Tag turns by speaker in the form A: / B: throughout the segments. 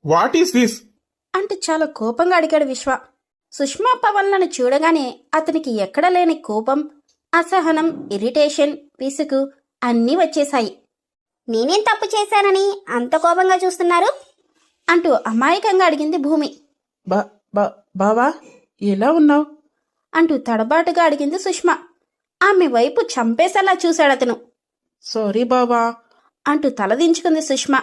A: What is this?
B: అంటూ చాలా కోపంగా అడిగాడు విశ్వ. సుష్మా పవన్లను చూడగానే అతనికి ఎక్కడ లేని కోపం, అసహనం, ఇరిటేషన్, విసుగు అన్నీ వచ్చేశాయి.
C: నేనేం తప్పు చేశానని అంత కోపంగా చూస్తున్నారు?
B: అంటూ అమాయకంగా అడిగింది భూమి.
D: బావా ఎలా ఉన్నావు?
B: అంటూ తడబాటుగా అడిగింది సుష్మా. ఆమె వైపు చంపేసేలా చూశాడతను.
D: సారీ బావా
B: అంటూ తలదించుకుంది సుష్మా.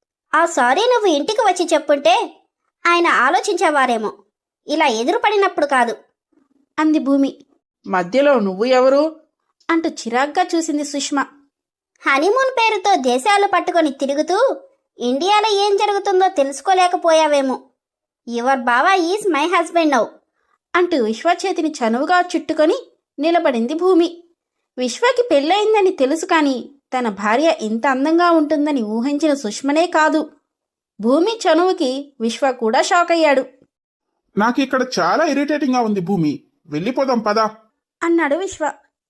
C: ఆ సారీ నువ్వు ఇంటికి వచ్చి చెప్పుంటే ఆయన ఆలోచించేవారేమో, ఇలా ఎదురుపడినప్పుడు కాదు
B: అంది భూమి.
D: మధ్యలో నువ్వు ఎవరు?
B: అంటూ చిరాగ్గా చూసింది సుష్మా.
C: హనీమూన్ పేరుతో దేశాలు పట్టుకొని తిరుగుతూ ఇండియాలో ఏం జరుగుతుందో తెలుసుకోలేకపోయావేమో. Your bava is my husband now
B: అంటూ విశ్వ చేతిని చనువుగా చుట్టుకొని నిలబడింది భూమి. విశ్వకి పెళ్ళయిందని తెలుసు కాని తన భార్య ఇంత అందంగా ఉంటుందని ఊహించిన సుష్మనే కాదు, భూమి చనువుకి విశ్వ కూడా షాక్ అయ్యాడు.
A: నాకు ఇక్కడ చాలా ఇరిటేటింగ్ గా ఉంది భూమి, వెళ్ళిపోదాం పదా
B: అన్నాడు విశ్వ.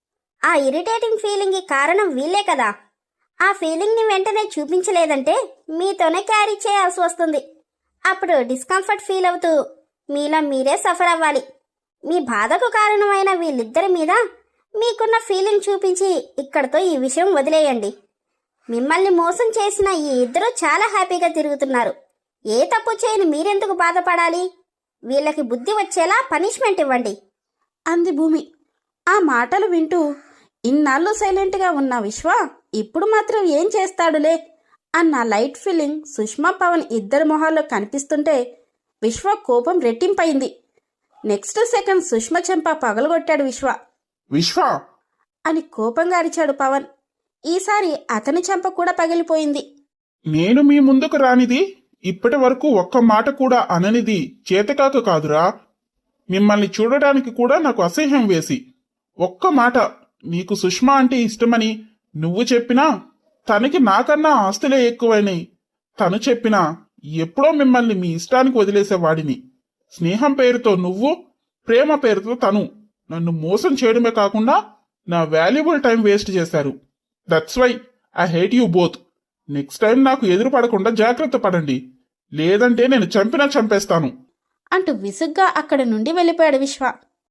C: ఆ ఇరిటేటింగ్ ఫీలింగ్కి కారణం వీళ్ళే కదా. ఆ ఫీలింగ్ని వెంటనే చూపించలేదంటే మీతోనే క్యారీ చేయాల్సి వస్తుంది. అప్పుడు డిస్కంఫర్ట్ ఫీల్ అవుతూ మీలో మీరే సఫర్ అవ్వాలి. మీ బాధకు కారణమైన వీళ్ళిద్దరి మీద మీకున్న ఫీలింగ్ చూపించి ఇక్కడితో ఈ విషయం వదిలేయండి. మిమ్మల్ని మోసం చేసిన ఈ ఇద్దరు చాలా హ్యాపీగా తిరుగుతున్నారు. ఏ తప్పు చేయని మీరెందుకు బాధపడాలి? వీళ్ళకి బుద్ధి వచ్చేలా పనిష్మెంట్ ఇవ్వండి
B: అంది భూమి. ఆ మాటలు వింటూ ఇన్నాళ్ళు సైలెంట్గా ఉన్న విశ్వ ఇప్పుడు మాత్రం ఏం చేస్తాడులే అన్న లైట్ ఫీలింగ్ సుష్మా పవన్ ఇద్దరి మొహాల్లో కనిపిస్తుంటే విశ్వ కోపం రెట్టింపైంది. నెక్స్ట్ సెకండ్ సుష్మ చెంప పగలగొట్టాడు విశ్వ.
A: విశ్వ
B: అని కోపంగా అరిచాడు పవన్. ఈసారి అతని చెంప కూడా పగిలిపోయింది.
A: నేను మీ ముందుకు రానిది, ఇప్పటి వరకు ఒక్క మాట కూడా అననిది చేతకాక కాదురా. మిమ్మల్ని చూడడానికి కూడా నాకు అసహ్యం వేసి, ఒక్క మాట నీకు సుష్మా అంటే ఇష్టమని నువ్వు చెప్పినా, తనకి నాకన్నా ఆస్తులే ఎక్కువైనాయి తను చెప్పినా ఎప్పుడో మిమ్మల్ని మీ ఇష్టానికి వదిలేసేవాడిని. స్నేహం పేరుతో నువ్వు, ప్రేమ పేరుతో తను నన్ను మోసం చేయడమే కాకుండా నా వాల్యుబుల్ టైం వేస్ట్ చేశారు. That's why I hate you both. Next time నాకు ఎదురు పడకుండా జాగ్రత్త పడండి, లేదంటే నేను చంపేస్తాను
B: అంటూ విసుగ్గా అక్కడి నుండి వెళ్ళిపోయాడు విశ్వ.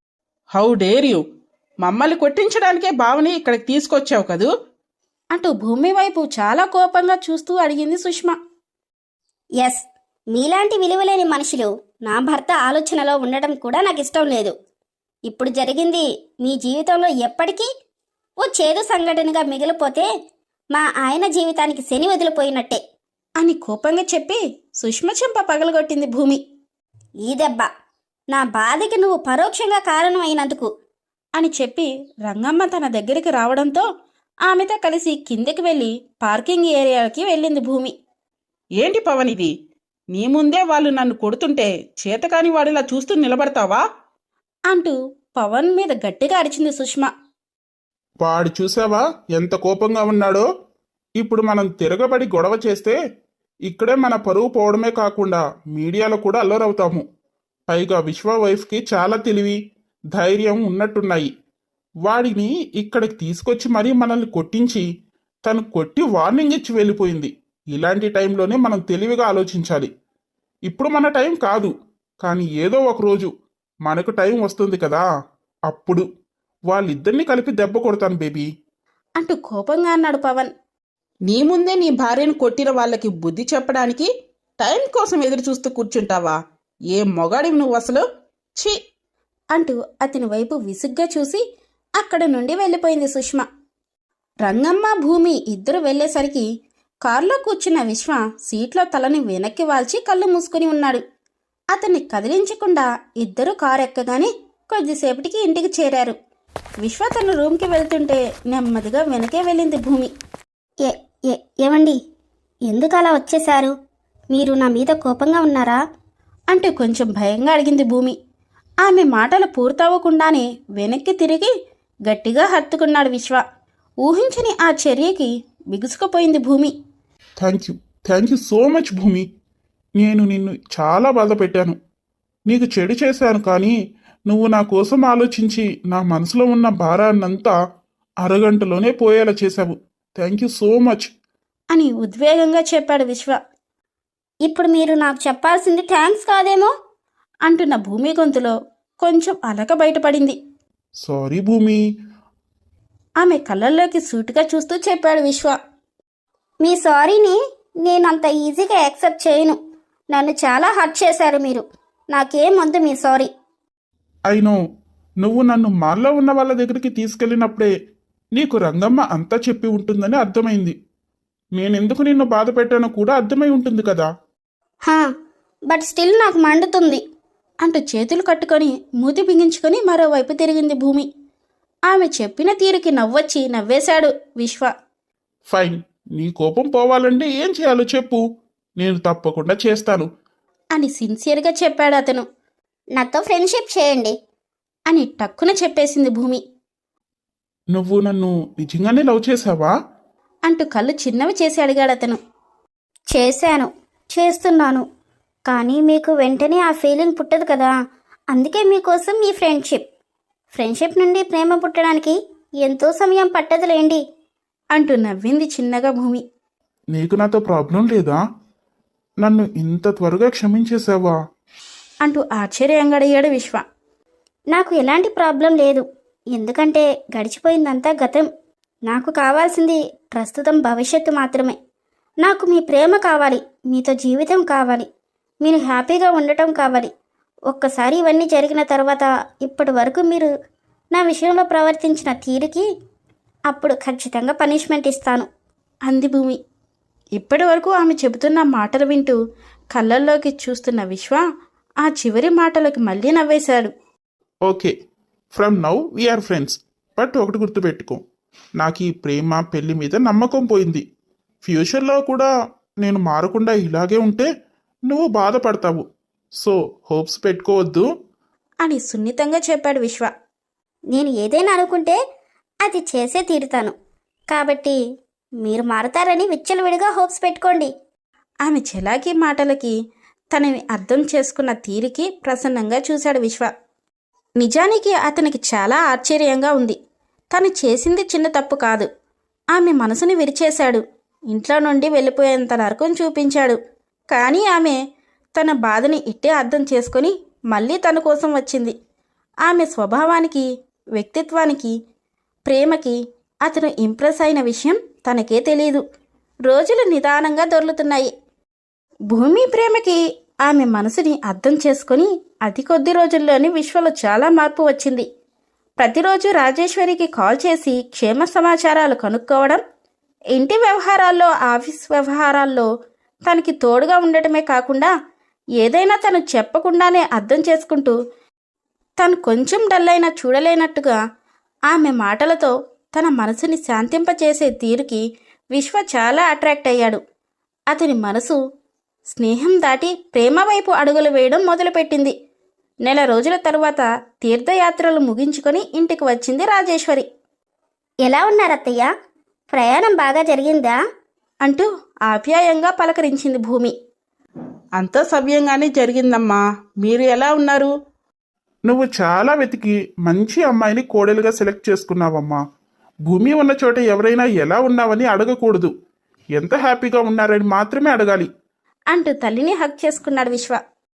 D: హౌ డేర్ యూ, మమ్మల్ని కొట్టించడానికే బావని ఇక్కడికి తీసుకొచ్చావు కదూ?
B: అంటూ భూమి వైపు చాలా కోపంగా చూస్తూ అడిగింది సుష్మ.
C: ఎస్, మీలాంటి విలువలేని మనుషులు నా భర్త ఆలోచనలో ఉండడం కూడా నాకు ఇష్టం లేదు. ఇప్పుడు జరిగింది మీ జీవితంలో ఎప్పటికీ ఓ చేదు సంఘటనగా మిగిలిపోతే మా ఆయన జీవితానికి శని వదిలిపోయినట్టే
B: అని కోపంగా చెప్పి సుష్మ చెంప పగలగొట్టింది భూమి.
C: ఈ దెబ్బ నా బాధకి నువ్వు పరోక్షంగా కారణం అయినందుకు
B: అని చెప్పి రంగమ్మ తన దగ్గరికి రావడంతో ఆమెతో కలిసి కిందకి వెళ్ళి పార్కింగ్ ఏరియాకి వెళ్ళింది భూమి.
D: ఏంటి పవన్ ఇది? నీ ముందే వాళ్ళు నన్ను కొడుతుంటే చేతకాని వాడిలా చూస్తూ నిలబడతావా?
B: అంటూ పవన్ మీద గట్టిగా అరిచింది సుష్మ.
A: వాడు చూసావా ఎంత కోపంగా ఉన్నాడో? ఇప్పుడు మనం తిరగబడి గొడవ చేస్తే ఇక్కడే మన పరువు పోవడమే కాకుండా మీడియాలో కూడా అల్లరవుతాము. పైగా విశ్వ వైఫ్కి చాలా తెలివి, ధైర్యం ఉన్నట్టున్నాయి. వాడిని ఇక్కడికి తీసుకొచ్చి మరీ మనల్ని కొట్టించి తను కొట్టి వార్నింగ్ ఇచ్చి వెళ్ళిపోయింది. ఇలాంటి టైంలోనే మనం తెలివిగా ఆలోచించాలి. ఇప్పుడు మన టైం కాదు, కానీ ఏదో ఒక రోజు మనకు టైం వస్తుంది కదా, అప్పుడు వాళ్ళిద్దరిని కలిపి దెబ్బ కొడతాను బేబీ
B: అంటూ కోపంగా అన్నాడు పవన్.
D: నీ ముందే నీ భార్యను కొట్టిన వాళ్ళకి బుద్ధి చెప్పడానికి టైం కోసం ఎదురు చూస్తూ కూర్చుంటావా? ఏ మొగాడివి నువ్వు అసలు? ఛీ
B: అంటూ అతని వైపు విసుగ్గా చూసి అక్కడ నుండి వెళ్ళిపోయింది సుష్మ. రంగమ్మ, భూమి ఇద్దరు వెళ్లేసరికి కారులో కూర్చున్న విశ్వ సీట్లో తలని వెనక్కి వాల్చి కళ్ళు మూసుకుని ఉన్నాడు. అతన్ని కదిలించకుండా ఇద్దరు కారు ఎక్కగానే కొద్దిసేపటికి ఇంటికి చేరారు. విశ్వ తన రూమ్కి వెళ్తుంటే నెమ్మదిగా వెనకే వెళ్ళింది భూమి.
C: ఏమండి, ఎందుకు అలా వచ్చేశారు? మీరు నా మీద కోపంగా ఉన్నారా?
B: అంటూ కొంచెం భయంగా అడిగింది భూమి. ఆమె మాటలు పూర్తవ్వకుండానే వెనక్కి తిరిగి గట్టిగా హత్తుకున్నాడు విశ్వ. ఊహించని ఆ చర్యకి బిగుసుకుపోయింది భూమి.
A: థ్యాంక్ యూ సో మచ్ భూమి. నేను నిన్ను చాలా బాధ పెట్టాను, నీకు చెడు చేశాను. కానీ నువ్వు నా కోసం ఆలోచించి నా మనసులో ఉన్న భారాన్నంతా అరగంటలోనే పోయేలా చేశావు. థ్యాంక్ యూ సో మచ్
B: అని ఉద్వేగంగా చెప్పాడు విశ్వ.
C: ఇప్పుడు మీరు నాకు చెప్పాల్సింది థ్యాంక్స్ కాదేమో.
B: అంటున్న భూమి గొంతులో కొంచెం అలక బయటపడింది.
A: సారీ భూమి.
B: ఆమె కళ్ళల్లోకి సూటిగా చూస్తూ చెప్పాడు విశ్వ.
C: మీ సారీని నేను అంత ఈజీగా యాక్సెప్ట్ చేయను. నన్ను చాలా హర్ట్ చేశారు మీరు. నాకేమొద్దు మీ సారీ.
A: అయినో నువ్వు నన్ను మాల్లో ఉన్న వాళ్ళ దగ్గరికి తీసుకెళ్ళినప్పుడే నీకు రంగమ్మ అంతా చెప్పి ఉంటుందని అర్థమైంది. నేనెందుకు నిన్ను బాధ పెట్టానో కూడా అర్థమై ఉంటుంది కదా.
C: హా, బట్ స్టిల్ నాకు మండుతుంది
B: అంటూ చేతులు కట్టుకొని మూతి బిగించుకొని మరోవైపు తిరిగింది భూమి. ఆమె చెప్పిన తీరుకి నవ్వొచ్చి నవ్వేశాడు విశ్వ.
A: ఫైన్, నీ కోపం పోవాలంటే ఏం చేయాలో చెప్పు, నేను తప్పకుండా చేస్తాను
B: అని సిన్సియర్గా చెప్పాడు అతను.
C: నాతో ఫ్రెండ్షిప్ చేయండి
B: అని టక్కున చెప్పేసింది భూమి.
A: నువ్వు నన్ను నిజంగానే లవ్ చేశావా?
B: అంటూ కళ్ళు చిన్నవి చేసి అడిగాడు అతను.
C: చేశాను, చేస్తున్నాను. కానీ మీకు వెంటనే ఆ ఫీలింగ్ పుట్టదు కదా. అందుకే మీకోసం ఈ ఫ్రెండ్షిప్ నుండి ప్రేమ పుట్టడానికి ఎంతో సమయం పట్టదులేండి
B: అంటూ నవ్వింది చిన్నగా భూమి.
A: నీకు నాతో ప్రాబ్లం లేదా? నన్ను ఇంత త్వరగా క్షమించేశావా?
B: అంటూ ఆశ్చర్యంగా అడిగాడు విశ్వ.
C: నాకు ఎలాంటి ప్రాబ్లం లేదు. ఎందుకంటే గడిచిపోయిందంతా గతం. నాకు కావాల్సింది ప్రస్తుతం భవిష్యత్తు మాత్రమే. నాకు మీ ప్రేమ కావాలి, మీతో జీవితం కావాలి, మీరు హ్యాపీగా ఉండటం కావాలి. ఒక్కసారి ఇవన్నీ జరిగిన తర్వాత ఇప్పటి వరకు మీరు నా విషయంలో ప్రవర్తించిన తీరుకి అప్పుడు ఖచ్చితంగా పనిష్మెంట్ ఇస్తాను
B: అంది భూమి. ఇప్పటి వరకు ఆమె చెబుతున్న మాటలు వింటూ కళ్ళల్లోకి చూస్తున్న విశ్వ ఆ చివరి మాటలకు మళ్ళీ నవ్వేశాడు.
A: Okay, from now we are friends. But ఒకటి గుర్తుపెట్టుకో, నాకు ఈ ప్రేమ పెళ్లి మీద నమ్మకం పోయింది. ఫ్యూచర్లో కూడా నేను మారకుండా ఇలాగే ఉంటే నువ్వు బాధపడతావు. సో హోప్స్ పెట్టుకోవద్దు
B: అని సున్నితంగా చెప్పాడు విశ్వ.
C: నేను ఏదైనా అనుకుంటే అది చేసే తీరుతాను. కాబట్టి మీరు మారతారని విచ్చలవిడిగా హోప్స్ పెట్టుకోండి.
B: ఆమె చెలాకి మాటలకి తనని అర్థం చేసుకున్న తీరికి ప్రసన్నంగా చూశాడు విశ్వ. నిజానికి అతనికి చాలా ఆశ్చర్యంగా ఉంది. తను చేసింది చిన్న తప్పు కాదు. ఆమె మనసుని విరిచేశాడు. ఇంట్లో నుండి వెళ్ళిపోయేంత నరకం చూపించాడు. కానీ ఆమె తన బాధని ఇట్టే అర్థం చేసుకొని మళ్ళీ తన కోసం వచ్చింది. ఆమె స్వభావానికి, వ్యక్తిత్వానికి, ప్రేమకి అతను ఇంప్రెస్ అయిన విషయం తనకే తెలియదు. రోజులు నిదానంగా దొర్లుతున్నాయి. భూమి ప్రేమకి ఆమె మనసుని అర్థం చేసుకొని అతి కొద్ది రోజుల్లోని విశ్వలో చాలా మార్పు వచ్చింది. ప్రతిరోజు రాజేశ్వరికి కాల్ చేసి క్షేమ సమాచారాలు కనుక్కోవడం, ఇంటి వ్యవహారాల్లో, ఆఫీస్ వ్యవహారాల్లో తనకి తోడుగా ఉండటమే కాకుండా ఏదైనా తను చెప్పకుండానే అర్థం చేసుకుంటూ తను కొంచెం డల్ అయినా చూడలేనట్టుగా ఆమె మాటలతో తన మనసుని శాంతింపచేసే తీరుకి విశ్వ చాలా అట్రాక్ట్ అయ్యాడు. అతని మనసు స్నేహం దాటి ప్రేమ వైపు అడుగులు వేయడం మొదలుపెట్టింది. నెల రోజుల తరువాత తీర్థయాత్రలు ముగించుకొని ఇంటికి వచ్చింది రాజేశ్వరి.
C: ఎలా ఉన్నారు అత్తయ్య? ప్రయాణం బాగా జరిగిందా
B: అంటూ ఆప్యాయంగా పలకరించింది భూమి.
D: అంతా సవ్యంగానే జరిగిందమ్మా. మీరు ఎలా ఉన్నారు?
A: నువ్వు చాలా వెతికి మంచి అమ్మాయిని కోడలుగా సెలెక్ట్ చేసుకున్నావమ్మా. భూమి ఉన్న చోట ఎవరైనా ఎలా ఉన్నావని అడగకూడదు, ఎంత హ్యాపీగా ఉన్నారని మాత్రమే అడగాలి
B: అంటూ తల్లిని హగ్ చేసుకున్నాడు విశ్వ.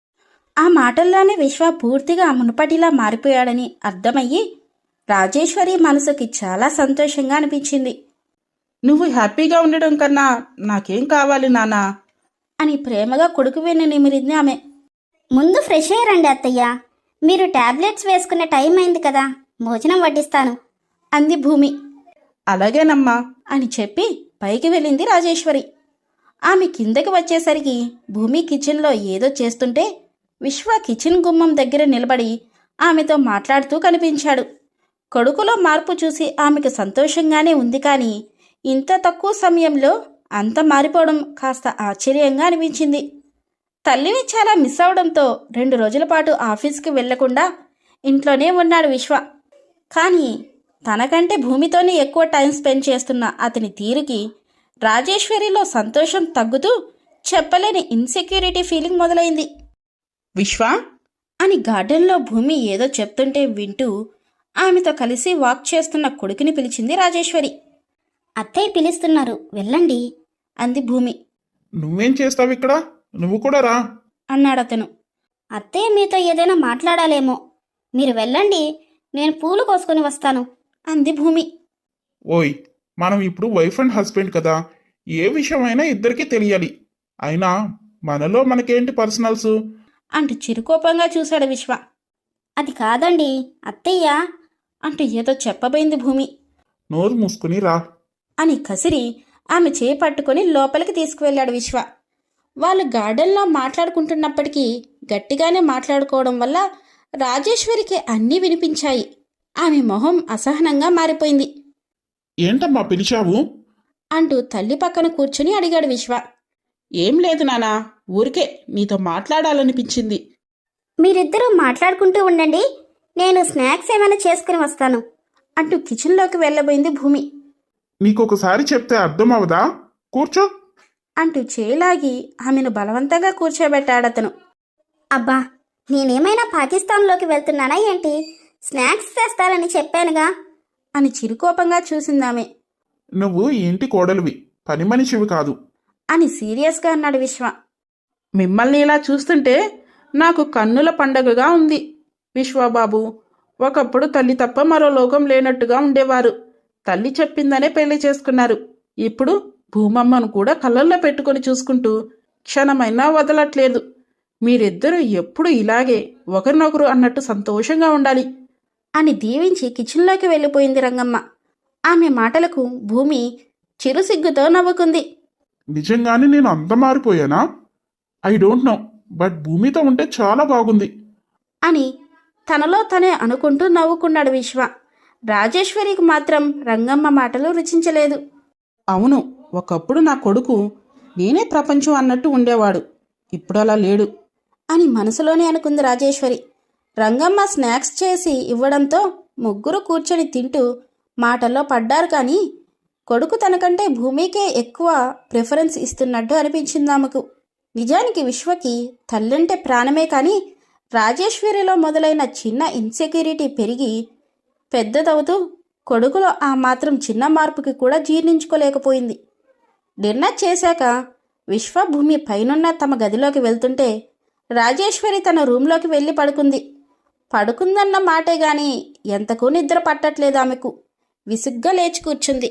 B: ఆ మాటల్లోనే విశ్వ పూర్తిగా మునుపటిలా మారిపోయాడని అర్థమయ్యి రాజేశ్వరి మనసుకి చాలా సంతోషంగా అనిపించింది.
D: నువ్వు హ్యాపీగా ఉండడం కన్నా నాకేం కావాలి నానా
B: అని ప్రేమగా కొడుకు వెన్ను నిమిరింది ఆమె.
C: ముందు ఫ్రెష్ అయ్యారండి అత్తయ్య. మీరు టాబ్లెట్స్ వేసుకునే టైం అయింది కదా, భోజనం వడ్డిస్తాను
B: అంది భూమి.
D: అలాగేనమ్మా
B: అని చెప్పి పైకి వెళ్ళింది రాజేశ్వరి. ఆమె కిందకి వచ్చేసరికి భూమి కిచెన్లో ఏదో చేస్తుంటే విశ్వ కిచెన్ గుమ్మం దగ్గర నిలబడి ఆమెతో మాట్లాడుతూ కనిపించాడు. కొడుకులో మార్పు చూసి ఆమెకు సంతోషంగానే ఉంది. కానీ ఇంత తక్కువ సమయంలో అంత మారిపోవడం కాస్త ఆశ్చర్యంగా అనిపించింది. తల్లిని చాలా మిస్ అవడంతో 2 రోజుల పాటు ఆఫీస్కి వెళ్లకుండా ఇంట్లోనే ఉన్నాడు విశ్వ. కానీ తనకంటే భూమితోనే ఎక్కువ టైం స్పెండ్ చేస్తున్న అతని తీరుకి రాజేశ్వరిలో సంతోషం తగ్గుతూ చెప్పలేని ఇన్సెక్యూరిటీ ఫీలింగ్ మొదలైంది.
D: విశ్వ
B: అని గార్డెన్లో భూమి ఏదో చెప్తుంటే వింటూ ఆమెతో కలిసి వాక్ చేస్తున్న కొడుకుని పిలిచింది రాజేశ్వరి.
C: అత్తయ్య పిలుస్తున్నారు, వెళ్ళండి
B: అంది భూమి.
A: నువ్వేం చేస్తావు ఇక్కడ? నువ్వు కూడా రా.
B: అన్నాడతను.
C: అత్తయ్య మీతో ఏదైనా మాట్లాడాలేమో, మీరు వెళ్ళండి, నేను పూలు కోసుకొని వస్తాను.
B: అంది భూమి.
A: ఓయ్, మనం ఇప్పుడు వైఫ్ అండ్ హస్బెండ్ కదా, ఏ విషయమైనా ఇద్దరికీ తెలియాలి. అయినా మనలో మనకేంటి పర్సనల్స్?
B: అంటూ చిరుకోపంగా చూశాడు విశ్వ.
C: అది కాదండి అత్తయ్య.
B: అంటూ ఏదో చెప్పబోయింది భూమి.
A: నోరు మూసుకుని రా.
B: అని కసిరి ఆమె చేయి పట్టుకొని లోపలికి తీసుకువెళ్ళాడు విశ్వ. వాళ్ళు గార్డెన్లో మాట్లాడుకుంటున్నప్పటికీ గట్టిగానే మాట్లాడుకోవడం వల్ల రాజేశ్వరికి అన్నీ వినిపించాయి. ఆమె మొహం అసహనంగా మారిపోయింది.
A: ఏంటమ్మా పిలిచావు?
B: అంటూ తల్లి పక్కన కూర్చుని అడిగాడు విశ్వ.
D: ఏం లేదు నానా, ఊరికే నీతో మాట్లాడాలనిపించింది.
C: మీరిద్దరూ మాట్లాడుకుంటూ ఉండండి, నేను స్నాక్స్ ఏమైనా చేసుకుని వస్తాను.
B: అంటూ కిచెన్లోకి వెళ్ళబోయింది భూమి.
A: నీకొకసారి చెప్తే అర్థం అవదా? కూర్చో.
B: అంటూ చేలాగి ఆమెను బలవంతంగా కూర్చోబెట్టాడతను.
C: అబ్బా, నేనేమైనా పాకిస్తాన్లోకి వెళ్తున్నానా ఏంటి? స్నాక్స్ తెస్తారని చెప్పానుగా.
B: అని చిరుకోపంగా చూసిందామె.
A: నువ్వు ఈ ఇంటి కోడలివి, పని మనిషివి కాదు.
B: అని సీరియస్గా అన్నాడు విశ్వ.
D: మిమ్మల్ని ఇలా చూస్తుంటే నాకు కన్నుల పండగగా ఉంది విశ్వబాబు. ఒకప్పుడు తల్లి తప్ప మరో లోకం లేనట్టుగా ఉండేవారు. తల్లి చెప్పిందనే పెళ్లి చేసుకున్నారు. ఇప్పుడు భూమమ్మను కూడా కళ్ళల్లో పెట్టుకొని చూసుకుంటూ క్షణమైనా వదలట్లేదు. మీరిద్దరూ ఎప్పుడు ఇలాగే ఒకరినొకరు అన్నట్టు సంతోషంగా ఉండాలి.
B: అని దీవించి కిచెన్లోకి వెళ్ళిపోయింది రంగమ్మ. ఆమె మాటలకు భూమి చిరుసిగ్గుతో నవ్వుకుంది.
A: నిజంగానే నేను అంత మారిపోయానా? ఐ డోంట్ నో, బట్ భూమితో ఉంటే చాలా బాగుంది.
B: అని తనలో తనే అనుకుంటూ నవ్వుకున్నాడు విశ్వ. రాజేశ్వరికి మాత్రం రంగమ్మ మాటలు రుచించలేదు.
D: అవును, ఒకప్పుడు నా కొడుకు నేనే ప్రపంచం అన్నట్టు ఉండేవాడు. ఇప్పుడు అలా లేడు
B: అని మనసులోనే అనుకుంది రాజేశ్వరి. రంగమ్మ స్నాక్స్ చేసి ఇవ్వడంతో ముగ్గురు కూర్చొని తింటూ మాటల్లో పడ్డారు. కానీ కొడుకు తనకంటే భూమికే ఎక్కువ ప్రిఫరెన్స్ ఇస్తున్నట్టు అనిపించింది ఆమెకు. నిజానికి విశ్వకి తల్లంటే ప్రాణమే. కానీ రాజేశ్వరిలో మొదలైన చిన్న ఇన్సెక్యూరిటీ పెరిగి పెద్దదవుతూ కొడుకులో ఆ మాత్రం చిన్న మార్పుకి కూడా జీర్ణించుకోలేకపోయింది. డిన్నర్ చేశాక విశ్వ భూమి పైనున్న తమ గదిలోకి వెళ్తుంటే రాజేశ్వరి తన రూంలోకి వెళ్ళి పడుకుంది. పడుకుందన్న మాటే గాని ఎంతకు నిద్ర పట్టట్లేదు ఆమెకు. విసుగ్గా లేచి కూర్చుంది.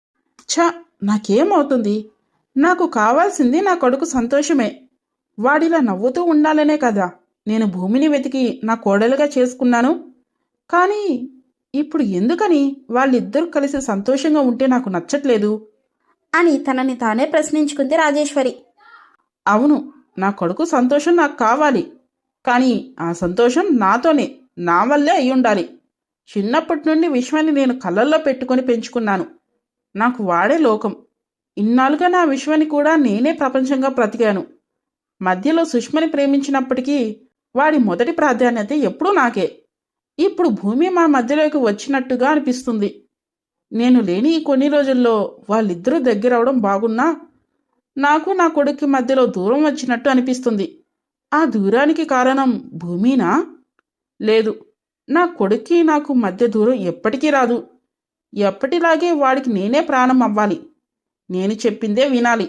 D: ఛ, నాకేమవుతుంది? నాకు కావాల్సింది నా కొడుకు సంతోషమే. వాడిలా నవ్వుతూ ఉండాలనే కదా నేను భూమిని వెతికి నా కోడలుగా చేసుకున్నాను. కానీ ఇప్పుడు ఎందుకని వాళ్ళిద్దరూ కలిసి సంతోషంగా ఉంటే నాకు నచ్చట్లేదు
B: అని తనని తానే ప్రశ్నించుకుంది రాజేశ్వరి.
D: అవును, నా కొడుకు సంతోషం నాకు కావాలి. కానీ ఆ సంతోషం నాతోనే, నా వల్లే అయి ఉండాలి. చిన్నప్పటి నుండి విశ్వాన్ని నేను కళ్ళల్లో పెట్టుకొని పెంచుకున్నాను. నాకు వాడే లోకం. ఇన్నాళ్ళుగా నా విశ్వాన్ని కూడా నేనే ప్రపంచంగా బ్రతికాను. మధ్యలో సుష్మని ప్రేమించినప్పటికీ వాడి మొదటి ప్రాధాన్యత ఎప్పుడూ నాకే. ఇప్పుడు భూమి మా మధ్యలోకి వచ్చినట్టుగా అనిపిస్తుంది. నేను లేని ఈ కొన్ని రోజుల్లో వాళ్ళిద్దరూ దగ్గరవడం బాగున్నా నాకు నా కొడుక్కి మధ్యలో దూరం వచ్చినట్టు అనిపిస్తుంది. ఆ దూరానికి కారణం భూమినా? లేదు, నా కొడుక్కి నాకు మధ్య దూరం ఎప్పటికీ రాదు. ఎప్పటిలాగే వాడికి నేనే ప్రాణం అవ్వాలి. నేను చెప్పిందే వినాలి.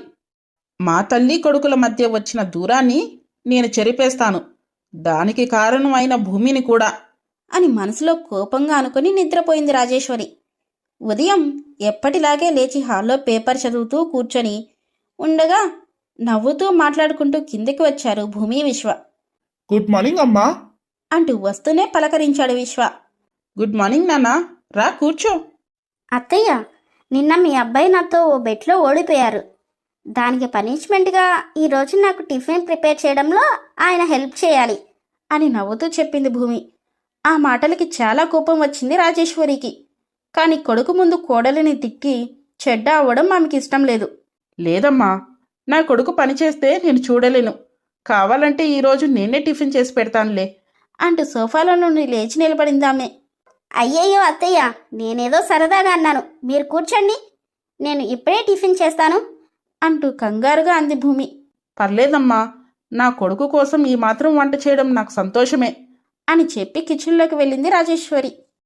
D: మా తల్లి కొడుకుల మధ్య వచ్చిన దూరాన్ని నేను చెరిపేస్తాను, దానికి కారణం అయిన భూమిని కూడా
B: అని మనసులో కోపంగా అనుకుని నిద్రపోయింది రాజేశ్వరి. ఉదయం ఎప్పటిలాగే లేచి హాల్లో పేపర్ చదువుతూ కూర్చొని ఉండగా నవ్వుతూ మాట్లాడుకుంటూ కిందకి వచ్చారు భూమి విశ్వ.
A: గుడ్ మార్నింగ్ అమ్మా
B: అంటూ వస్తూనే పలకరించాడు విశ్వ.
D: గుడ్ మార్నింగ్ నాన్నా, రా కూర్చో.
C: అత్తయ్య, నిన్న మీ అబ్బాయి నాతో ఓ బెట్లో ఓడిపోయారు. దానికి పనిష్మెంట్గా ఈరోజు నాకు టిఫిన్ ప్రిపేర్ చేయడంలో ఆయన హెల్ప్ చేయాలి
B: అని నవ్వుతూ చెప్పింది భూమి. ఆ మాటలకి చాలా కోపం వచ్చింది రాజేశ్వరికి. కాని కొడుకు ముందు కోడలిని తిట్టి చెడ్డ అవ్వడం ఆమెకి ఇష్టం లేదు.
D: లేదమ్మా, నా కొడుకు పనిచేస్తే నేను చూడలేను. కావాలంటే ఈరోజు నేనే టిఫిన్ చేసి పెడతానులే
B: అంటూ సోఫాలో నుండి లేచి నిలబడిందామె.
C: అయ్యయ్యో అత్తయ్య, నేనేదో సరదాగా అన్నాను, మీరు కూర్చోండి, నేను ఇప్పుడే టిఫిన్ చేస్తాను
B: అంటూ కంగారుగా అంది భూమి.
D: పర్లేదమ్మా, నా కొడుకు కోసం ఈ మాత్రం వంట చేయడం నాకు సంతోషమే
B: అని చెప్పి కిచెన్లోకి వెళ్ళింది రాజేశ్వరి.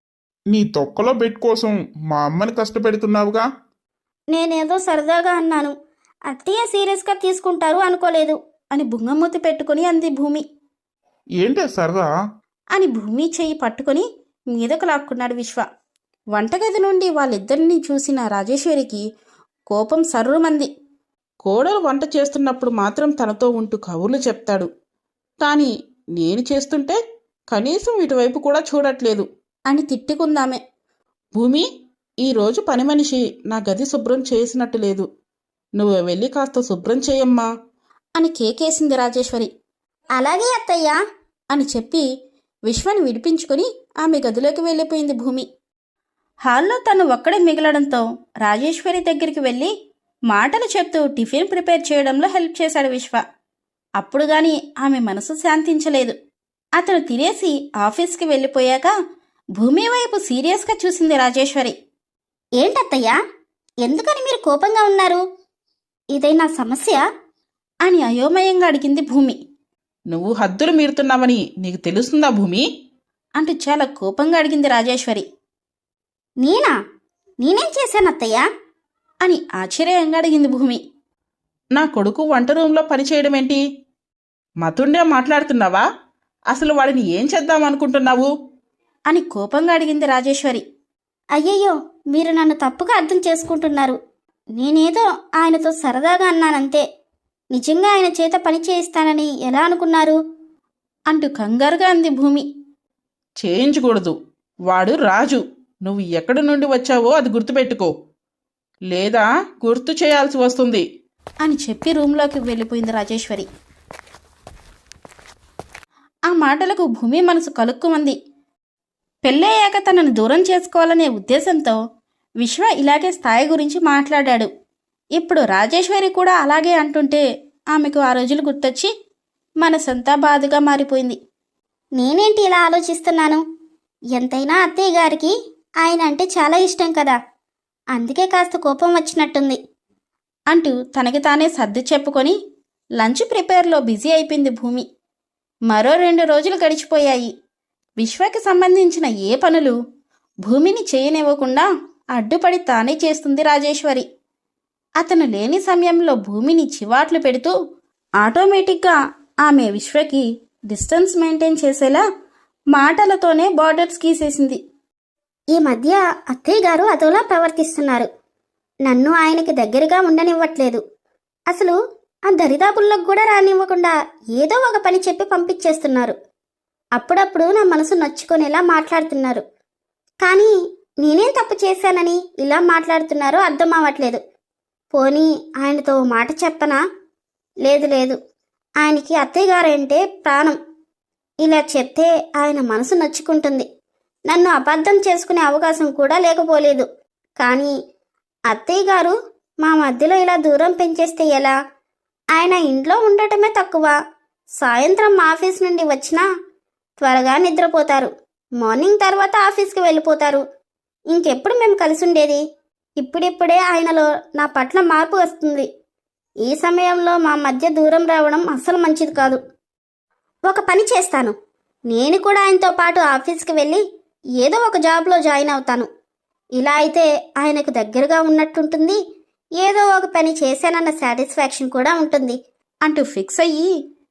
A: నీ తొక్కలో బెడ్ కోసం మా అమ్మని కష్టపెడుతున్నావుగా.
C: నేనేదో సరదాగా అన్నాను, అత్తయ్య సీరియస్గా తీసుకుంటారు అనుకోలేదు.
B: అని బుంగమూతి పెట్టుకుని అంది భూమి.
A: ఏంటే సరదా?
B: అని భూమి చెయ్యి పట్టుకొని మీదకు లాక్కున్నాడు విశ్వ. వంటగది నుండి వాళ్ళిద్దరినీ చూసిన రాజేశ్వరికి కోపం సర్రుమంది.
D: కోడలు వంట చేస్తున్నప్పుడు మాత్రం తనతో ఉంటూ కబుర్లు చెప్తాడు, కానీ నేను చేస్తుంటే కనీసం ఇటువైపు కూడా చూడట్లేదు
B: అని తిట్టుకుందామే.
D: భూమి, ఈరోజు పని మనిషి నా గది శుభ్రం చేసినట్టు లేదు. నువ్వు వెళ్ళి కాస్త శుభ్రం చేయమ్మా
B: అని కేకేసింది రాజేశ్వరి.
C: అలాగే అత్తయ్య
B: అని చెప్పి విశ్వని విడిపించుకొని ఆమె గదిలోకి వెళ్ళిపోయింది భూమి. హాల్లో తను ఒక్కడే మిగలడంతో రాజేశ్వరి దగ్గరికి వెళ్ళి మాటలు చెప్తూ టిఫిన్ ప్రిపేర్ చేయడంలో హెల్ప్ చేశాడు విశ్వ. అప్పుడు గాని ఆమె మనసు శాంతించలేదు. అతను తినేసి ఆఫీస్కి వెళ్ళిపోయాక భూమి వైపు సీరియస్గా చూసింది రాజేశ్వరి.
C: ఏంటత్తయ్య, ఎందుకని మీరు కోపంగా ఉన్నారు? ఇదైనా సమస్య?
B: అని అయోమయంగా అడిగింది భూమి.
D: నువ్వు హద్దులు మీరుతున్నావని నీకు తెలుస్తుందా భూమి?
B: అంటూ చాలా కోపంగా అడిగింది రాజేశ్వరి.
C: నేనేం చేశానత్తయ్య?
B: అని ఆశ్చర్యంగా అడిగింది భూమి.
D: నా కొడుకు వంట రూంలో పనిచేయడమేంటి? మతుండే మాట్లాడుతున్నావా? అసలు వాడిని ఏం చేద్దామనుకుంటున్నావు?
B: అని కోపంగా అడిగింది రాజేశ్వరి.
C: అయ్యయ్యో, మీరు నన్ను తప్పుగా అర్థం చేసుకుంటున్నారు. నేనేదో ఆయనతో సరదాగా అన్నానంతే. నిజంగా ఆయన చేత పని చేయిస్తానని ఎలా అనుకున్నారు?
B: అంటూ కంగారుగా అంది భూమి.
D: చేయించకూడదు. వాడు రాజు. నువ్వు ఎక్కడి నుండి వచ్చావో అది గుర్తుపెట్టుకో, లేదా గుర్తు చేయాల్సి వస్తుంది
B: అని చెప్పి రూంలోకి వెళ్ళిపోయింది రాజేశ్వరి. ఆ మాటలకు భూమి మనసు కలుక్కుమంది. పెళ్ళయ్యాక తనను దూరం చేసుకోవాలనే ఉద్దేశంతో విశ్వ ఇలాగే స్థాయి గురించి మాట్లాడాడు. ఇప్పుడు రాజేశ్వరి కూడా అలాగే అంటుంటే ఆమెకు ఆ రోజులు గుర్తొచ్చి మనసంతా బాధగా మారిపోయింది.
C: నేనేంటి ఇలా ఆలోచిస్తున్నాను? ఎంతైనా అత్తయ్య గారికి ఆయన అంటే చాలా ఇష్టం కదా, అందుకే కాస్త కోపం వచ్చినట్టుంది
B: అంటూ తనకి తానే సర్ది చెప్పుకొని లంచ్ ప్రిపేర్లో బిజీ అయిపోయింది భూమి. మరో 2 రోజులు గడిచిపోయాయి. విశ్వకి సంబంధించిన ఏ పనులు భూమిని చేయనివ్వకుండా అడ్డుపడి తానే చేస్తుంది రాజేశ్వరి. అతను లేని సమయంలో భూమిని చివాట్లు పెడుతూ ఆటోమేటిక్గా ఆమె విశ్వకి డిస్టెన్స్ మెయింటైన్ చేసేలా మాటలతోనే బార్డర్స్ గీసేసింది.
C: ఈ మధ్య అత్తయ్య గారు అదోలా ప్రవర్తిస్తున్నారు. నన్ను ఆయనకి దగ్గరగా ఉండనివ్వట్లేదు. అసలు ఆ దరిదాపుల్లోకి కూడా రానివ్వకుండా ఏదో ఒక పని చెప్పి పంపించేస్తున్నారు. అప్పుడప్పుడు నా మనసు నొచ్చుకొనేలా మాట్లాడుతున్నారు. కానీ నేనేం తప్పు చేశానని ఇలా మాట్లాడుతున్నారో అర్థం అవ్వట్లేదు. పోనీ ఆయనతో మాట చెప్పనా? లేదు, ఆయనకి అత్తయ్య గారంటే ప్రాణం. ఇలా చెప్తే ఆయన మనసు నొచ్చుకుంటుంది. నన్ను అబద్ధం చేసుకునే అవకాశం కూడా లేకపోలేదు. కానీ అత్తయ్య గారు మా మధ్యలో ఇలా దూరం పెంచేస్తే ఎలా? ఆయన ఇంట్లో ఉండటమే తక్కువ. సాయంత్రం ఆఫీస్ నుండి వచ్చినా త్వరగా నిద్రపోతారు. మార్నింగ్ తర్వాత ఆఫీస్కి వెళ్ళిపోతారు. ఇంకెప్పుడు మేము కలిసి ఉండేది? ఇప్పుడిప్పుడే ఆయనలో నా పట్ల మార్పు వస్తుంది. ఈ సమయంలో మా మధ్య దూరం రావడం అస్సలు మంచిది కాదు. ఒక పని చేస్తాను. నేను కూడా ఆయనతో పాటు ఆఫీస్కి వెళ్ళి ఏదో ఒక జాబ్లో జాయిన్ అవుతాను. ఇలా అయితే ఆయనకు దగ్గరగా ఉన్నట్టుంటుంది. ఏదో ఒక పని చేశానన్న సాటిస్ఫాక్షన్ కూడా ఉంటుంది
B: అంటూ ఫిక్స్ అయ్యి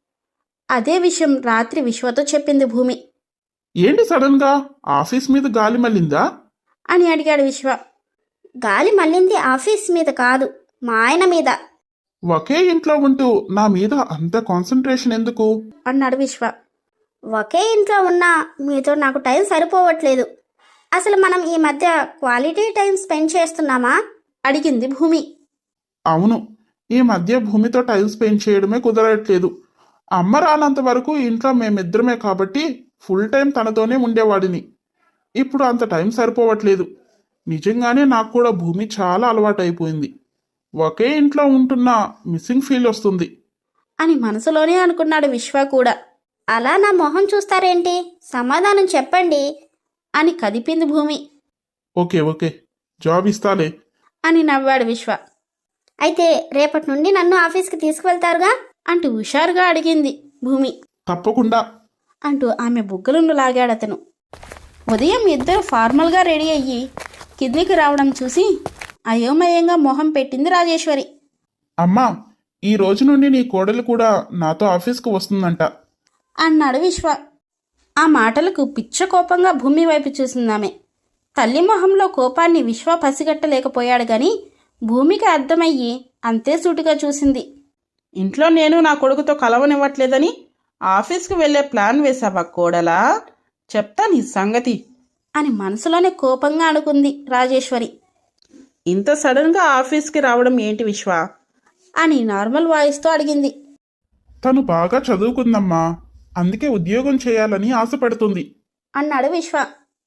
B: అదే విషయం రాత్రి విశ్వతో చెప్పింది భూమి.
A: ఏంటి సడన్ గా ఆఫీస్ మీద గాలి మళ్ళిందా?
B: అని అడిగాడు విశ్వ.
C: గాలి మళ్ళింది ఆఫీస్ మీద కాదు, మా ఆయన మీద.
A: ఒకే ఇంట్లో ఉంటూ నా మీద అంత కాన్సన్ట్రేషన్ ఎందుకు?
B: అన్నాడు విశ్వ.
C: ఒకే ఇంట్లో ఉన్నా మీతో నాకు టైం సరిపోవట్లేదు. అసలు మనం ఈ మధ్య క్వాలిటీ టైం స్పెండ్ చేస్తున్నామా?
B: అడిగింది భూమి.
A: అవును, ఈ మధ్య భూమితో టైం స్పెండ్ చేయడమే కుదరట్లేదు. అమ్మ రానంత వరకు ఇంట్లో మేమిద్దరమే కాబట్టి ఫుల్ టైం తనతోనే ఉండేవాడిని. ఇప్పుడు అంత టైం సరిపోవట్లేదు. నిజంగానే నాకు కూడా భూమి చాలా అలవాటైపోయింది. ఒకే ఇంట్లో ఉంటున్నా మిస్సింగ్ ఫీల్ వస్తుంది
B: అని మనసులోనే అనుకున్నాడు విశ్వ కూడా.
C: అలా నా మొహం చూస్తారేంటి? సమాధానం చెప్పండి
B: అని కదిపింది భూమి.
A: ఓకే జాబ్ ఇస్తాలే
B: అని నవ్వాడు విశ్వ.
C: అయితే రేపటి నుండి నన్ను ఆఫీస్కి తీసుకువెళ్తారుగా?
B: అంటూ హుషారుగా అడిగింది భూమి.
A: తప్పకుండా
B: అంటూ ఆమె బుగ్గలను లాగాడతను. ఉదయం ఇద్దరు ఫార్మల్గా రెడీ అయ్యి కిందికి రావడం చూసి అయోమయంగా మొహం పెట్టింది రాజేశ్వరి.
A: అమ్మా, ఈ రోజు నుండి నీ కోడలు కూడా నాతో ఆఫీస్కు వస్తుందంట.
B: అన్నాడు విశ్వ. ఆ మాటలకు పిచ్చ కోపంగా భూమి వైపు చూసిందామె. తల్లి మొహంలో కోపాన్ని విశ్వ పసిగట్టలేకపోయాడు గాని భూమికి అర్థమయ్యి అంతే సూటిగా చూసింది.
D: ఇంట్లో నేను నా కొడుకుతో కలవనివ్వట్లేదని ఆఫీస్కి వెళ్ళే ప్లాన్ వేశావా కోడలా? చెప్తా నీ సంగతి
B: అని మనసులోనే కోపంగా అనుకుంది రాజేశ్వరి.
D: ఇంత సడన్గా ఆఫీస్కి రావడం ఏంటి విశ్వ?
B: అని నార్మల్ వాయిస్తో అడిగింది.
A: తను బాగా చదువుకుందమ్మా, అందుకే ఉద్యోగం చేయాలని ఆశపడుతుంది.
B: అన్నాడు విశ్వ.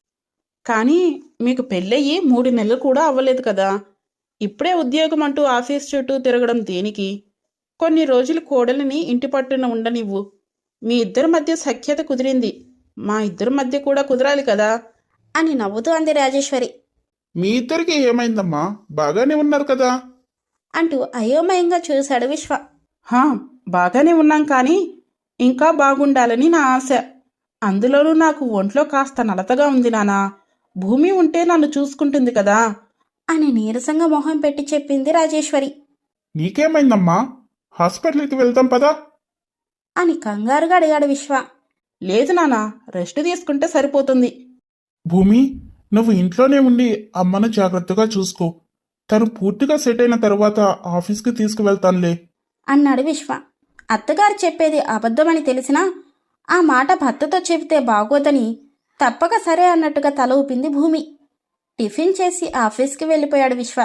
D: కానీ మీకు పెళ్ళయ్యి 3 నెలలు కూడా అవ్వలేదు కదా, ఇప్పుడే ఉద్యోగం అంటూ ఆఫీస్ చుట్టూ తిరగడం దేనికి? కొన్ని రోజులు కోడలిని ఇంటి పట్టున ఉండనివ్వు. మీ ఇద్దరి మధ్య సఖ్యత కుదిరింది, మా ఇద్దరి మధ్య కూడా కుదరాలి కదా
B: అని నవ్వుతూ అంది రాజేశ్వరి.
A: మీ ఇద్దరికి ఏమైందమ్మా, బాగానే ఉన్నారు కదా?
B: అంటూ అయోమయంగా చూశాడు విశ్వ.
D: హా, బాగానే ఉన్నాం కానీ ఇంకా బాగుండాలని నా ఆశ. అందులోనూ నాకు ఒంట్లో కాస్త నలతగా ఉంది నానా. భూమి ఉంటే నన్ను చూసుకుంటుంది కదా
B: అని నీరసంగా మొహం పెట్టి చెప్పింది రాజేశ్వరి.
A: నీకేమైందమ్మా, హాస్పిటల్కి వెళ్తాం పదా?
B: అని కంగారుగా అడిగాడు విశ్వ.
D: లేదు నానా, రెస్ట్ తీసుకుంటే సరిపోతుంది.
A: భూమి, నువ్వు ఇంట్లోనే ఉండి అమ్మను జాగ్రత్తగా చూసుకో. తను పూర్తిగా సెట్ అయిన తర్వాత ఆఫీస్కి తీసుకువెళ్తానులే.
B: అన్నాడు విశ్వ. అత్తగారు చెప్పేది అబద్ధమని తెలిసినా ఆ మాట భర్తతో చెబితే బాగోదని తప్పక సరే అన్నట్టుగా తల ఊపింది భూమి. టిఫిన్ చేసి ఆఫీస్కి వెళ్ళిపోయాడు విశ్వ.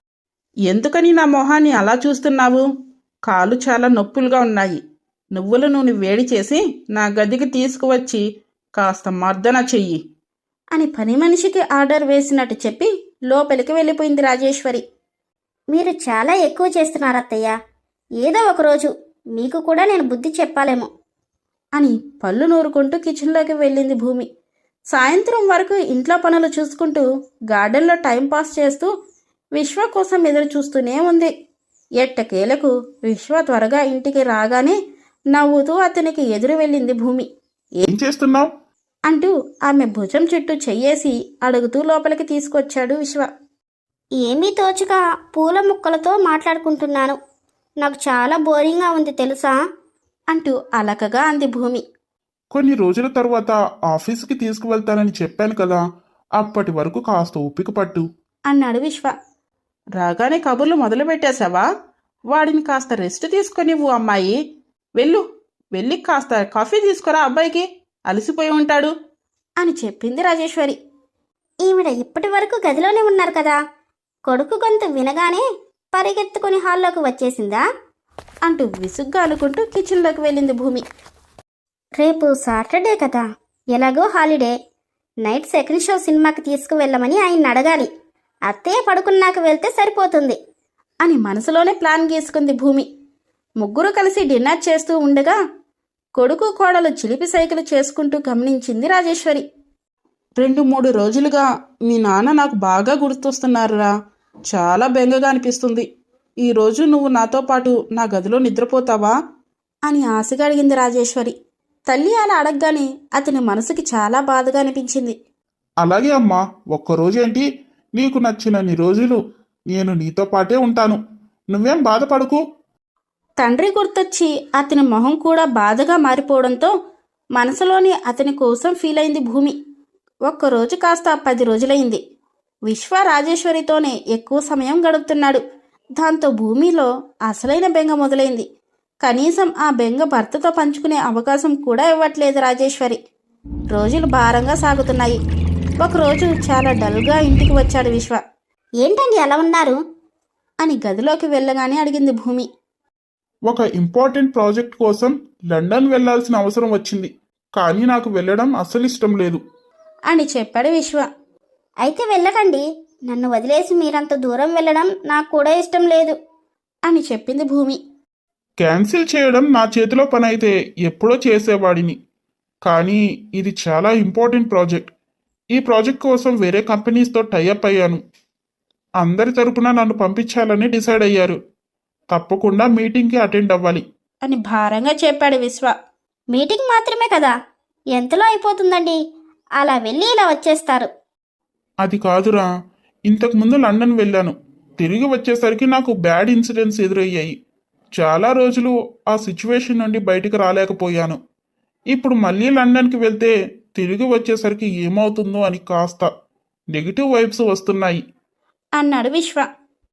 D: ఎందుకని నా మొహాన్ని అలా చూస్తున్నావు? కాళ్ళు చాలా నొప్పులుగా ఉన్నాయి. నువ్వుల నూనె వేడి చేసి నా గదికి తీసుకువచ్చి కాస్త మర్దన చెయ్యి
B: అని పని మనిషికి ఆర్డర్ వేసినట్టు చెప్పి లోపలికి వెళ్ళిపోయింది రాజేశ్వరి.
C: మీరు చాలా ఎక్కువ చేస్తున్నారు అత్తయ్య. ఏదో ఒకరోజు మీకు కూడా నేను బుద్ధి చెప్పాలేమో.
B: అని పళ్ళు నూరుకుంటూ కిచెన్లోకి వెళ్ళింది భూమి. సాయంత్రం వరకు ఇంట్లో పనులు చూసుకుంటూ గార్డెన్లో టైంపాస్ చేస్తూ విశ్వ కోసం ఎదురు చూస్తూనే ఉంది. ఎట్టకేలకు విశ్వ త్వరగా ఇంటికి రాగానే నవ్వుతూ అతనికి ఎదురు వెళ్ళింది భూమి.
A: ఏం చేస్తున్నావు?
B: అంటూ ఆమె భుజం చుట్టూ చెయ్యేసి అడుగుతూ లోపలికి తీసుకొచ్చాడు విశ్వ.
C: ఏమీ తోచక పూల ముక్కలతో మాట్లాడుకుంటున్నాను. నాకు చాలా బోరింగ్గా ఉంది తెలుసా?
B: అంటూ అలకగా అంది భూమి.
A: కొన్ని రోజుల తర్వాత ఆఫీస్కి తీసుకువెళ్తానని చెప్పాను కదా, అప్పటి వరకు కాస్త ఓపిక పట్టు.
B: అన్నాడు విశ్వ.
D: రాగానే కబుర్లు మొదలు పెట్టేశావా? వాడిని కాస్త రెస్ట్ తీసుకొనివ్వు అమ్మాయి. వెళ్ళి కాస్త కాఫీ తీసుకురా, అబ్బాయికి అలసిపోయి ఉంటాడు
B: అని చెప్పింది రాజేశ్వరి.
C: ఈవిడ ఇప్పటి వరకు గదిలోనే ఉన్నారు కదా. కొడుకు గొంతు వినగానే పరిగెత్తుకుని హాల్లోకి వచ్చేసిందా?
B: అంటూ విసుగ్గా అనుకుంటూ కిచెన్లోకి వెళ్ళింది భూమి.
C: రేపు సాటర్డే కదా, ఎలాగో హాలిడే. నైట్ సెకండ్ షో సినిమాకి తీసుకువెళ్ళమని ఆయన్ని అడగాలి. అత్తయ్య పడుకున్నాక వెళ్తే సరిపోతుంది
B: అని మనసులోనే ప్లాన్ గీసుకుంది భూమి. ముగ్గురు కలిసి డిన్నర్ చేస్తూ ఉండగా కొడుకు కోడలు చిలిపి సైకిల్ చేసుకుంటూ గమనించింది రాజేశ్వరి.
D: 2-3 రోజులుగా మీ నాన్న నాకు బాగా గుర్తొస్తున్నారురా. చాలా బెంగగా అనిపిస్తుంది. ఈరోజు నువ్వు నాతో పాటు నా గదిలో నిద్రపోతావా
B: అని ఆశగా అడిగింది రాజేశ్వరి. తల్లి అలా అడగగానే అతని మనసుకి చాలా బాధగా అనిపించింది.
A: అలాగే అమ్మా, ఒక్కరోజేంటి, నీకు నచ్చినన్ని రోజులు నేను నీతో పాటే ఉంటాను. నువ్వేం బాధపడకు.
B: తండ్రి గుర్తొచ్చి అతని మొహం కూడా బాధగా మారిపోవడంతో మనసులోని అతని కోసం ఫీల్ అయింది భూమి. ఒక్కరోజు కాస్త 10 రోజులైంది. విశ్వ రాజేశ్వరితోనే ఎక్కువ సమయం గడుపుతున్నాడు. దాంతో భూమిలో అసలైన బెంగ మొదలైంది. కనీసం ఆ బెంగ భర్తతో పంచుకునే అవకాశం కూడా ఇవ్వట్లేదు రాజేశ్వరి. రోజులు భారంగా సాగుతున్నాయి. ఒకరోజు చాలా డల్గా ఇంటికి వచ్చాడు విశ్వ.
C: ఏంటండి అలా ఉన్నారు?
B: అని గదిలోకి వెళ్ళగానే అడిగింది భూమి.
A: ఒక ఇంపార్టెంట్ ప్రాజెక్ట్ కోసం లండన్ వెళ్లాల్సిన అవసరం వచ్చింది, కానీ నాకు వెళ్ళడం అస్సలు ఇష్టం లేదు
B: అని చెప్పాడు విశ్వ.
C: అయితే వెళ్ళకండి. నన్ను వదిలేసి మీరంత దూరం వెళ్ళడం నాకు కూడా ఇష్టం లేదు
B: అని చెప్పింది భూమి.
A: క్యాన్సిల్ చేయడం నా చేతిలో పని అయితే ఎప్పుడో చేసేవాడిని, కానీ ఇది చాలా ఇంపార్టెంట్ ప్రాజెక్ట్. ఈ ప్రాజెక్ట్ కోసం వేరే కంపెనీస్తో టైఅప్ అయ్యాను. అందరి తరపున నన్ను పంపించాలని డిసైడ్ అయ్యారు. తప్పకుండా మీటింగ్కి అటెండ్ అవ్వాలి
B: అని భారంగా చెప్పాడు విశ్వ.
C: మీటింగ్ మాత్రమే కదా, ఎంతలో అయిపోతుందండి. అలా వెళ్ళి ఇలా వచ్చేస్తారు.
A: అది కాదురా, ఇంతకుముందు లండన్ వెళ్ళాను. తిరిగి వచ్చేసరికి నాకు బ్యాడ్ ఇన్సిడెంట్స్ ఎదురయ్యాయి. చాలా రోజులు ఆ సిచ్యువేషన్ నుండి బయటికి రాలేకపోయాను. ఇప్పుడు మళ్ళీ లండన్కి వెళ్తే తిరిగి వచ్చేసరికి ఏమవుతుందో అని కాస్త నెగిటివ్ వైబ్స్ వస్తున్నాయి.
B: అన్నాడు విశ్వ.